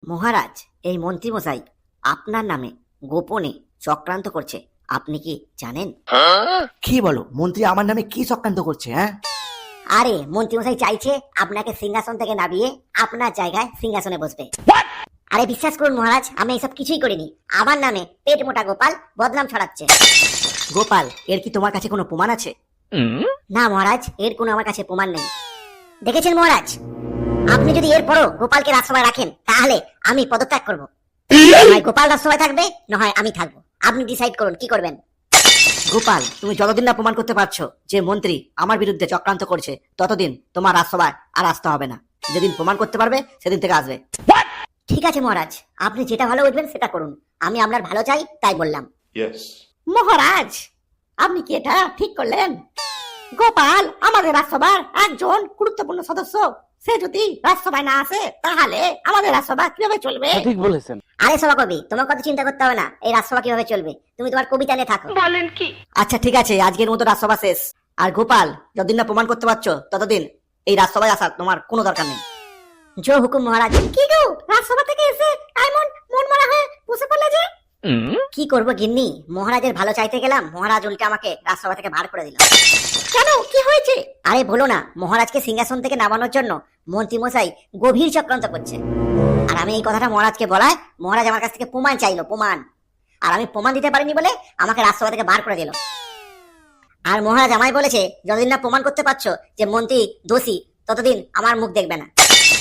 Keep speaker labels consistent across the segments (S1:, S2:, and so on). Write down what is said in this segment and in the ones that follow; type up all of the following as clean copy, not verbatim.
S1: মহারাজ, এই মন্ত্রীমশাই আপনার নামে গোপনে চক্রান্ত করছে, আপনি কি জানেন?
S2: কি বলো? মন্ত্রী আমার নামে কি চক্রান্ত করছে? হ্যাঁ,
S1: আরে মন্ত্রীমশাই চাইছে আপনাকে সিংহাসন থেকে নামিয়ে আপনার জায়গায় সিংহাসনে বসবে। আরে বিশ্বাস করুন মহারাজ, আমি এইসব কিছুই করিনি। আমার নামে পেট মোটা গোপাল বদনাম ছড়াচ্ছে। গোপাল, এর কি তোমার কাছে কোনো প্রমাণ আছে? না মহারাজ, এর কোনো আমার কাছে প্রমাণ নেই। দেখেছেন মহারাজ, আপনি যদি এরপরও গোপালকে রাজসভায় রাখেন তাহলে আমি পদত্যাগ করব। হয় গোপাল রাজসভায় থাকবে, না হয় আমি থাকবো। আপনি ডিসাইড করুন কি করবেন। গোপাল, তুমি যতদিন না প্রমাণ করতে পারছো যে মন্ত্রী আমার বিরুদ্ধে চক্রান্ত করছে, ততদিন তোমার রাজসভায় আর আসতে হবে না। যেদিন প্রমাণ করতে পারবে সেদিন থেকে আসবে। ঠিক আছে মহারাজ, আপনি যেটা ভালো বুঝবেন সেটা করুন। আমি আপনার ভালো চাই, তাই বললাম। মহারাজ, আপনি কি এটা ঠিক করলেন? গোপাল আমাদের রাজসভার একজন গুরুত্বপূর্ণ সদস্য। সে যদি রাজসভায় না আসে তাহলে আমাদের রাজসভা কিভাবে চলবে?
S3: ঠিক বলেছেন।
S1: আরে সভাকবি, তোমার কথা চিন্তা করতে হবে না। এই রাজসভা কিভাবে চলবে তুমি তোমার কবিতা নিয়ে থাকো। বলেন কি? আচ্ছা ঠিক আছে, আজকের মতো রাজসভা শেষ। আর গোপাল, যতদিন না প্রমাণ করতে পারছো ততদিন এই রাজসভায় আসার তোমার কোনো দরকার নেই। জয় হুকুম মহারাজ। কি গো, রাজসভা থেকে এসে এমন মন মারা হয়ে বসে পড়লে যে? কি করবো গিন্নি, মহারাজের ভালো চাইতে গেলাম, মহারাজ উল্টে আমাকে রাজসভা থেকে বার করে দিল। কেন, কি হয়েছে? আরে বলো না, মহারাজকে সিংহাসন থেকে নামানোর জন্য মন্ত্রীমশাই গভীর চক্রান্ত করছে। আর আমি এই কথাটা মহারাজকে বলায় মহারাজ আমার কাছ থেকে প্রমাণ চাইলো, প্রমাণ। আর আমি প্রমাণ দিতে পারিনি বলে আমাকে রাজসভা থেকে বার করে দিল। আর মহারাজ আমায় বলেছে যতদিন না প্রমাণ করতে পারছো যে মন্ত্রী দোষী, ততদিন আমার মুখ দেখবে না।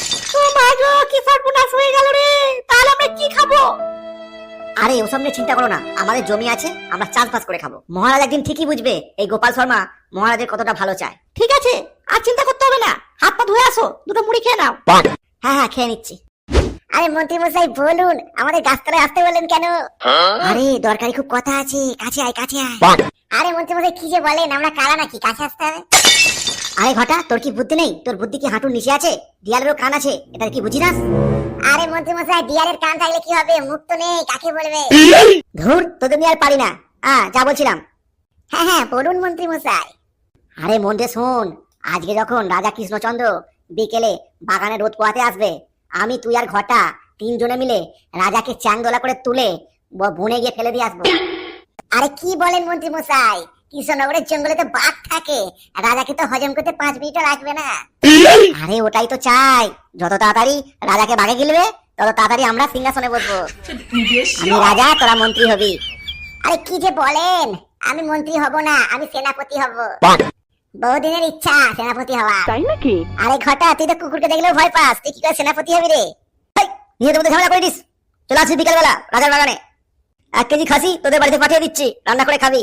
S1: কি সর্বনাশ হয়ে গেল রে, তাহলে আমরা কি খাবো? আরে ওসব নিয়ে চিন্তা করো না, আমাদের জমি আছে, আমরা চাষবাস করে খাবো। মহারাজ একদিন ঠিকই বুঝবে এই গোপাল শর্মা মহারাজের কতটা ভালো চায়। ঠিক আছে, আর চিন্তা করতে হবে না, হাত পা ধুয়ে আসো, দুটো মুড়ি খেয়ে নাও। হ্যাঁ হ্যাঁ, খেয়ে নিচ্ছি। আরে মন্ত্রী মশাই বলুন, আমাদের গাছতলায় আসতে বললেন কেন? আরে দরকারি খুব কথা আছে, কাছে আয় কাছে আয়। আরে মন্ত্রী মশাই কি যে বলেন, আমরা কারা নাকি কাছে আসতে হবে? আরে ঘটা, তোর কি বুদ্ধি নেই? তোর বুদ্ধি কি হাঁটুর নিচে আছে? দিয়ালেরও কান আছে, এটা কি বুঝি না? আরে মন্ত্রী মশাই, দিয়ালের কান থাকলে কি হবে? মুখ তো নেই, কাকে বলবে? ধুর, তোদের নিয়ে আর পারি না। যা বলছিলাম। হ্যাঁ হ্যাঁ বলুন মন্ত্রী মশাই। আরে মন দিয়ে শোন, আজকে যখন রাজা কৃষ্ণচন্দ্র বিকেলে বাগানে রোদ পোহাতে আসবে, আমি তুই আর ঘটা তিনজনে মিলে রাজাকে চ্যাংদোলা করে তুলে বনে গিয়ে ফেলে দিয়ে আসবো। আরে কি বলেন মন্ত্রী মশাই, কৃষ্ণনগরের জঙ্গলে তো বাঘ থাকে, রাজাকে তো হজম করতে 5 মিনিটও লাগবে না। আরে ওটাই তো চাই, যত তাড়াতাড়ি রাজাকে বাঘে গিলবে তত তাড়াতাড়ি আমরা সিংহাসনে বসবো। আমি রাজা, তোরা মন্ত্রী হবি। আরে কি যে বলেন, আমি মন্ত্রী হব না, আমি সেনাপতি হব। বহুদিনের ইচ্ছা সেনাপতি হওয়া।
S3: তাই নাকি?
S1: আরে ঘটা, তুই তো কুকুরকে দেখলেও ভয় পাস, তুই কি করে সেনাপতি হবি রে? নিয়ে তোমাদের ঝামেলা করে দিস। চলে আসবি বিকালবেলা রাজার বাগানে, 1 কেজি খাসি তোদের বাড়িতে পাঠিয়ে দিচ্ছি, রান্না করে খাবি।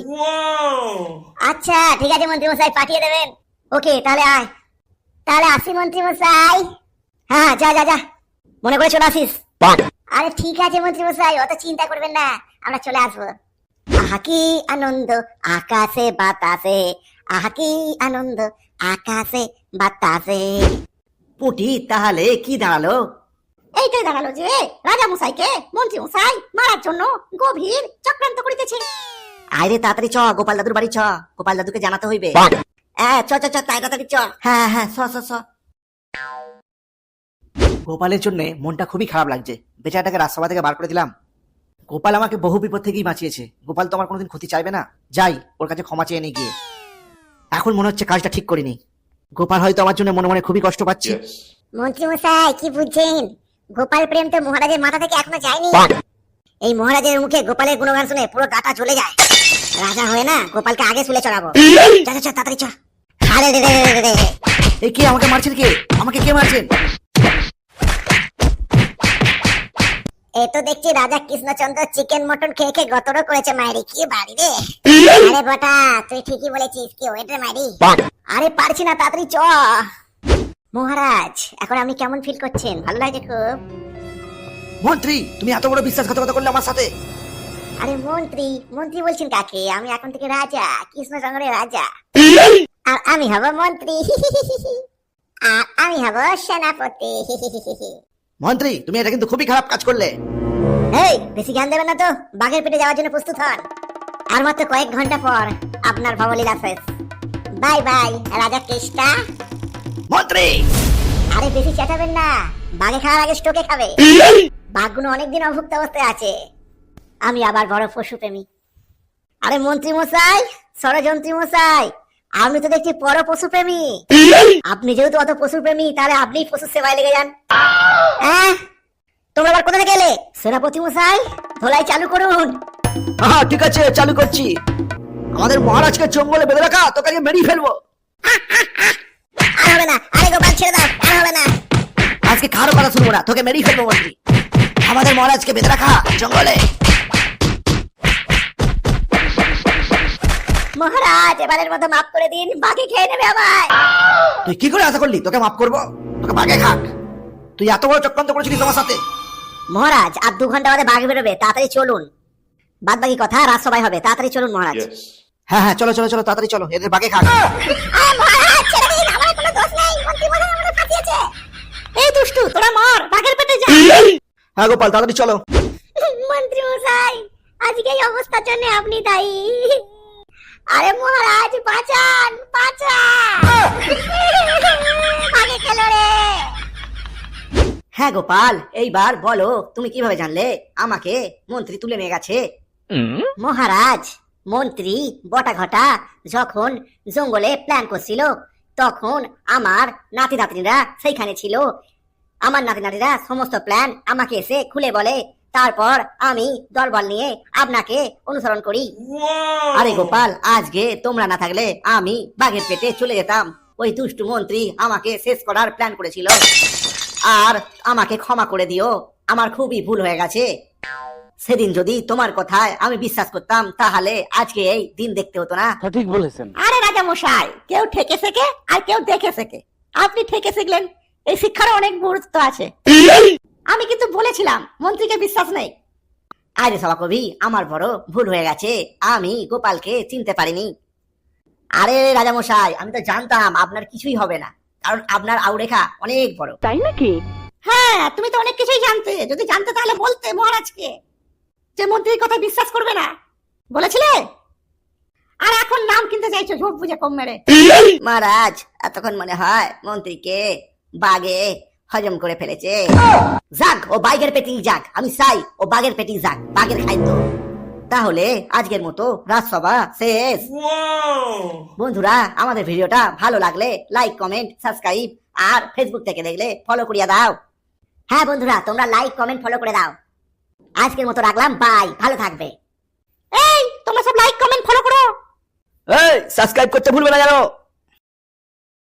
S1: আচ্ছা ঠিক আছে মন্ত্রী মশাই, পাঠিয়ে দেবেন। ওকে, তাহলে আয়। তাহলে আসি মন্ত্রী মশাই। হ্যাঁ যা যা যা, মনে করে চলে আসিস। আরে ঠিক আছে মন্ত্রী মশাই, অত চিন্তা করবেন না, আমরা চলে আসবো। আহা কি আনন্দ আকাশে বাতাসে, আহা কি আনন্দ আকাশে বাতাসে।
S2: পুটি, তাহলে কি দাঁড়ালো?
S1: এইটাই দাঁড়ালো যে রাজা মশাইকে মন্ত্রী মশাই মারার জন্য গভীর চক্রান্ত করিতেছে।
S2: আরে তাড়াতাড়ি চ, গোপাল দাদুর বাড়ি চ, গোপাল দাদুকে জানাতে হইবে।
S1: চ চ চ, তাড়াতাড়ি চ।
S2: হ্যাঁ হ্যাঁ, চ চ চ। গোপালের জন্য মনটা খুবই খারাপ লাগছে, বেচারাটাকে রাজসভা থেকে বার করে দিলাম। গোপাল আমাকে বহু বিপদ থেকেই বাঁচিয়েছে, গোপাল তো আমার কোনোদিন ক্ষতি চাইবে না। যাই ওর কাছে ক্ষমা চেয়ে নিয়ে গিয়ে। এখন মনে হচ্ছে কাজটা ঠিক করিনি, গোপাল হয়তো আমার জন্য মনে মনে খুবই কষ্ট পাচ্ছে।
S1: মন্ত্রী মশাই কি বুঝছেন, গোপাল প্রেম তো মহারাজের মাথা থেকে এখনো যায়নি। এই মহারাজের মুখে গোপালের গুণগান শুনে পুরো গাটা চলে যায়। রাজা হয়ে না গোপালকে আগে শুলে চড়াবো। চা চা তাড়াতাড়ি চ। আরে রে রে রে রে,
S2: এই কে আমাকে মারছেন? কে আমাকে কে মারছেন?
S1: এই তো দেখছি রাজা কৃষ্ণচন্দ্র চিকেন মটন খেয়ে খেয়ে গতরও করেছে মায়েরি। কি বাড়ি রে? আরে বটা, তুই ঠিকই বলেছিস, কি ওয়েট রে মায়েরি। আরে পারছি না, তাড়াতাড়ি চ। মহারাজ, এখন আপনি কেমন ফিল করছেন? ভালো লাগছে খুব?
S2: মন্ত্রী, তুমি এত বড় বিশ্বাসঘাতকতা করলে আমার সাথে?
S1: আরে মন্ত্রী মন্ত্রী বলছেন কাকে? আমি এখন থেকে রাজা, কৃষ্ণচন্দ্রের রাজা। আর আমি হব মন্ত্রী। আর আমি হব সেনাপতি।
S2: মন্ত্রী, তুমি এটা কিন্তু খুবই খারাপ কাজ করলে।
S1: এই বেশি জ্ঞান দেবেন না তো, বাঘের পেটে যাওয়ার জন্য প্রস্তুত হন। আর মাত্র কয়েক ঘন্টা পর আপনার ভবলীলা শেষ। বাই বাই রাজা কৃষ্ণা।
S2: মন্ত্রী,
S1: আরে বেশি চেঁচাবেন না, বাঘে খাওয়ার আগে স্টোকে খাবে। বাঘগুলো অনেকদিন অভুক্ত অবস্থায় আছে। আমি আবার বড় পশুপ্রেমী। আরে মন্ত্রী মশাই, ষড়যন্ত্রী মশাই, আপনি তো দেখছি বড় পশুপ্রেমী। আপনি যেহেতু অত পশুপ্রেমী, তাহলে আপনি পশু সেবায় লেগে যান। হ্যাঁ, তোমরা আবার কোথা থেকে এলে? সেনাপতি মশাই, ধোলাই চালু করুন।
S2: হ্যাঁ ঠিক আছে, চালু করছি। আমাদের মহারাজকে জঙ্গলে বেঁধে রাখা, তোকে আজকে মেরেই ফেলবো।
S1: আর হবে না, আরে গোপাল ছেড়ে দাও, আর হবে না।
S2: আজকে কারো কথা শুনবো না, তোকে মেরেই ফেলবো মন্ত্রী। আমাদের মহারাজকে বেঁধে রাখা জঙ্গলে।
S1: মহারাজ, এবারের মতো মাফ করে দিন, বাকি খেয়ে নেবে আমায়।
S2: তুই কি করে আশা করলি তোকে মাফ করবো? তোকে বাগে খাক। তুই এত বড় চক্রান্ত করেছিলি তোমার সাথে।
S1: মহারাজ, আর 2 ঘন্টা বাদে বাঘ বেরোবে, তাড়াতাড়ি চলুন। বাদ বাকি কথা রাজসভায় হবে, তাড়াতাড়ি চলুন মহারাজ।
S2: হ্যাঁ হ্যাঁ, চলো চলো চলো, তাড়াতাড়ি চলো, এদের বাগে খাক।
S1: মহারাজ ছেড়ে দিন, আমার কোনো দোষ নেই, মন্ত্রী মশাই আমাকে ফাঁসিয়েছে। এই দুষ্টু, তোরা মর, বাঘের পেটে যা।
S2: হ্যাঁ গোপাল, তাড়াতাড়ি চলো।
S1: মন্ত্রী মশাই, আজকে এই অবস্থার জন্য আপনি দায়ী। আরে মহারাজ, বাঁচান বাঁচান, বাঘে খেলো রে। হ্যাঁ গোপাল, এইবার বলো তুমি কিভাবে জানলে আমাকে মন্ত্রী তুলে নিয়ে গেছে? মহারাজ, মন্ত্রী বটা ঘটা যখন জঙ্গলে প্ল্যান করছিল, তখন আমার নাতি নাতনিরা সেইখানে ছিল। আমার নাতি নাতিরা সমস্ত প্ল্যান আমাকে এসে খুলে বলে, তারপর আমি দলবল নিয়ে আপনাকে অনুসরণ করি। আরে গোপাল, আজকে তোমরা না থাকলে আমি বাঘের পেটে চলে যেতাম। ওই দুষ্টু মন্ত্রী আমাকে শেষ করার প্ল্যান করেছিল। আর আমাকে ক্ষমা করে দিও, আমার খুবই ভুল হয়ে গেছে। সেদিন যদি তোমার কথায় আমি বিশ্বাস করতাম, তাহলে আজকে এই দিন দেখতে হতো না।
S3: সঠিক বলেছেন।
S1: আরে রাজা মশাই, কেউ ঠেকে শেখে আর কেউ দেখে শেখে। আপনি ঠেকে শিখলেন, এই শিক্ষার অনেক গুরুত্ব আছে। আমি কিন্তু বলেছিলাম মন্ত্রীকে বিশ্বাস নেই। আরে সভাকবি, আমার বড় ভুল হয়ে গেছে, আমি গোপালকে চিনতে পারিনি। আরে রাজা মশাই, আমি তো জানতাম আপনার কিছুই হবে না, কারণ আপনার আউরেখা অনেক বড়।
S3: তাই নাকি?
S1: হ্যাঁ, তুমি তো অনেক কিছুই জানতে। যদি জানতে তাহলে বলতে মহারাজকে যে মন্ত্রীর কথা বিশ্বাস করবে না, বলেছিলে। আর এখন নাম কিনতে চাইছো ঝোপ বুঝে কম মেরে। মহারাজ, এতক্ষণ মনে হয় মন্ত্রীকে বাগে হজম করে ফেলেছে। যাক, ও বাঘের পেটি যাক, আমি চাই ও বাঘের পেটি যাক, বাঘের খাদ্য। তাহলে আজকের মতো রাজসভা শেষ। বন্ধুরা, আমাদের ভিডিওটা ভালো লাগলে লাইক কমেন্ট সাবস্ক্রাইব, আর ফেসবুক থেকে দেখলে ফলো করিয়া দাও। হ্যাঁ বন্ধুরা, তোমরা লাইক কমেন্ট ফলো করে দাও। আজকের মতো রাখলাম, বাই, ভালো থাকবে। এই তোমরা সব লাইক কমেন্ট ফলো করো।
S2: এই সাবস্ক্রাইব করতে ভুলবে না জানো।